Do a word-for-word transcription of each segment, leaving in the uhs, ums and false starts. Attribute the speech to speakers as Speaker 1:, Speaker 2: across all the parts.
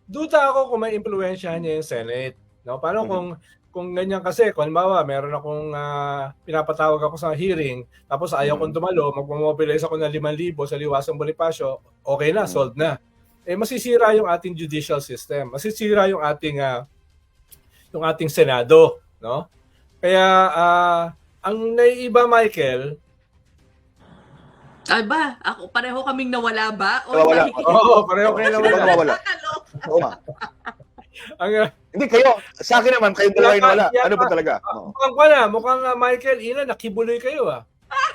Speaker 1: duda ako kung maiimpluwensyahan niya yung Senate, 'no? Paano
Speaker 2: Mhm.
Speaker 1: kung kung ganyan kasi kung halimbawa meron akong, ah, pinapatawag ako sa hearing tapos ayaw kong
Speaker 2: Mhm.
Speaker 1: dumalo, magmo-mobilize ako ng limang libo sa Liwasang Bonifacio, okey na,
Speaker 2: Mhm.
Speaker 1: solved na. Eh, masisira yung ating judicial system, masisira yung ating, ah, yung ating Senado, 'no? Kaya, ah, ang naiiba, Michael
Speaker 3: Aba, ako pareho kaming nawala ba? Oy,
Speaker 2: Nawawala.
Speaker 3: makikinig.
Speaker 1: Oo, pareho
Speaker 2: Oo,
Speaker 1: kayo
Speaker 2: sino ba
Speaker 1: nawala.
Speaker 2: nawawala?
Speaker 3: Nakakaloka.
Speaker 2: Oo nga.
Speaker 1: Ang, ah
Speaker 2: Hindi kayo, sa'kin naman kayong dalawa yung
Speaker 1: Yata
Speaker 2: nawala. Ano ba
Speaker 1: yata
Speaker 2: talaga?
Speaker 1: ah,
Speaker 2: Oo.
Speaker 1: mukhang kuwan, ah, mukhang, ah, Michael, Ina, nakibuloy kayo, ah.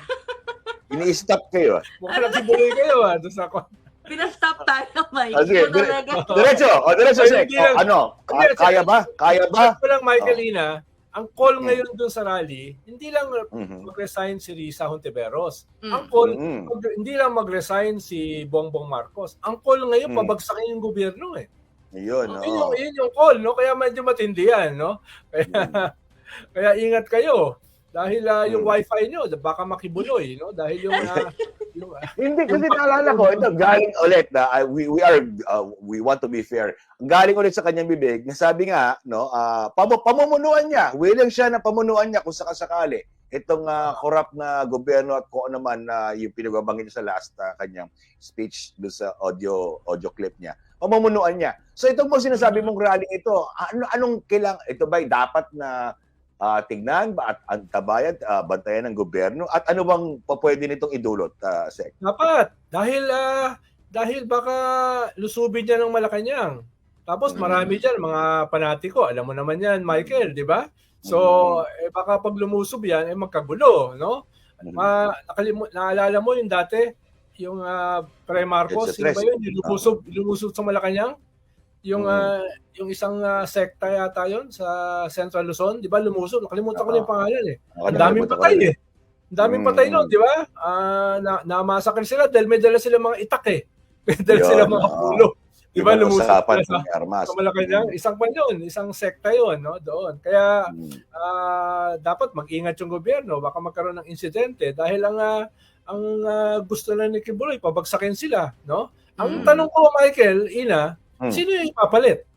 Speaker 2: Ini-stop kayo, ah.
Speaker 1: Mukhang nakibuloy kayo, ah, dun sa kwan.
Speaker 3: Pina-stop tayo, Mike.
Speaker 2: Oh, sige,
Speaker 3: Ikaw
Speaker 2: dire
Speaker 3: talaga.
Speaker 2: diretso, oh, diretso,
Speaker 1: Ay,
Speaker 2: Sek.
Speaker 1: hindi
Speaker 2: Oh,
Speaker 1: lang
Speaker 2: ano,
Speaker 1: hindi,
Speaker 2: ka kaya ba? Kaya ba?
Speaker 1: check ko lang, Michael,
Speaker 2: Oh.
Speaker 1: Ina, ang call
Speaker 2: Hmm.
Speaker 1: ngayon dun sa rally, hindi lang
Speaker 2: Mhm.
Speaker 1: mag-resign si Risa Hontiveros. Ang
Speaker 3: Hmm.
Speaker 1: call,
Speaker 2: Mm.
Speaker 1: mag hindi lang mag-resign si Bongbong Marcos. Ang call ngayon,
Speaker 2: Hmm.
Speaker 1: pabagsakin yung gobyerno, eh.
Speaker 2: Ayun,
Speaker 1: Yun yung
Speaker 2: oo.
Speaker 1: yun yung call, 'no? Kaya medyo matindi yan, 'no? Kaya
Speaker 2: Mm.
Speaker 1: kaya ingat kayo dahil, ah, yung
Speaker 2: Hmm.
Speaker 1: wifi niyo baka makibuloy, 'no? Dahil yung, ah, yung, ah,
Speaker 2: Hindi,
Speaker 1: yung
Speaker 2: kasi
Speaker 1: pag
Speaker 2: naalala ko, ito galing ulit na ah, we we are, uh, we want to be fair. Galing ulit sa kanyang bibig na sabi nga, 'no, ah, pamu pamumunuan niya, willing siya na pamunuan niya kung sakasakali itong, ah, corrupt na gobyerno at kung ano man na yung pinagbabanggit niya sa last, ah, kanyang speech dun sa audio audio clip niya. Pamumunuan niya. So itong mga sinasabi mong rally ito, ano anong kailang ito ba'y dapat na, ah, tignan ba at antabayan, ah, bantayan ng gobyerno at ano bang pupuwede nitong idulot, ah, Sek?
Speaker 1: Dapat. Dahil, ah, dahil baka lusubin niya ng Malacanang. Tapos marami
Speaker 2: Mm.
Speaker 1: diyan mga panatiko, alam mo naman yan, Michael, 'di ba? So,
Speaker 2: Mm.
Speaker 1: eh, baka 'pag lumusob yan, eh, magkagulo, 'no?
Speaker 2: Mm.
Speaker 1: Ma nakalimu naalala mo yung dati, yung, ah, pre-Marcos,
Speaker 2: Edsa
Speaker 1: sino ba
Speaker 2: Tres,
Speaker 1: yun, yung
Speaker 2: oo.
Speaker 1: lumusob lumusob sa Malacanang? Yung,
Speaker 2: Mm.
Speaker 1: ah, yung isang, ah, sekta yata yun sa Central Luzon, 'di ba lumusob? Nakalimutan ko na
Speaker 2: Oo.
Speaker 1: yung pangalan, eh.
Speaker 2: Oo,
Speaker 1: Ang daming
Speaker 2: nakalimutan ko
Speaker 1: patay,
Speaker 2: rin, eh.
Speaker 1: eh. Ang daming patay nun,
Speaker 2: Mm.
Speaker 1: 'di ba? Ah, na na-massacre sila dahil may dala silang mga itak, eh. May dala silang
Speaker 2: Yun,
Speaker 1: mga
Speaker 2: oo.
Speaker 1: pulo. 'Di ba
Speaker 2: Ibang
Speaker 1: lumusob
Speaker 2: usapan
Speaker 1: sila sa
Speaker 2: kung may armas.
Speaker 1: sa Malacanang?
Speaker 2: Mm.
Speaker 1: Isang kwan yun, isang sekta yun, 'no, doon. Kaya,
Speaker 2: Hmm.
Speaker 1: ah, dapat mag-ingat yung gobyerno, baka magkaroon ng insidente dahil ang, ah, ang, ah, gusto lang ni Kibuloy pabagsakin sila, 'no? Ang
Speaker 2: Mm.
Speaker 1: tanong ko, Michael, Ina,
Speaker 2: Hmm.
Speaker 1: sino yung ipapalit?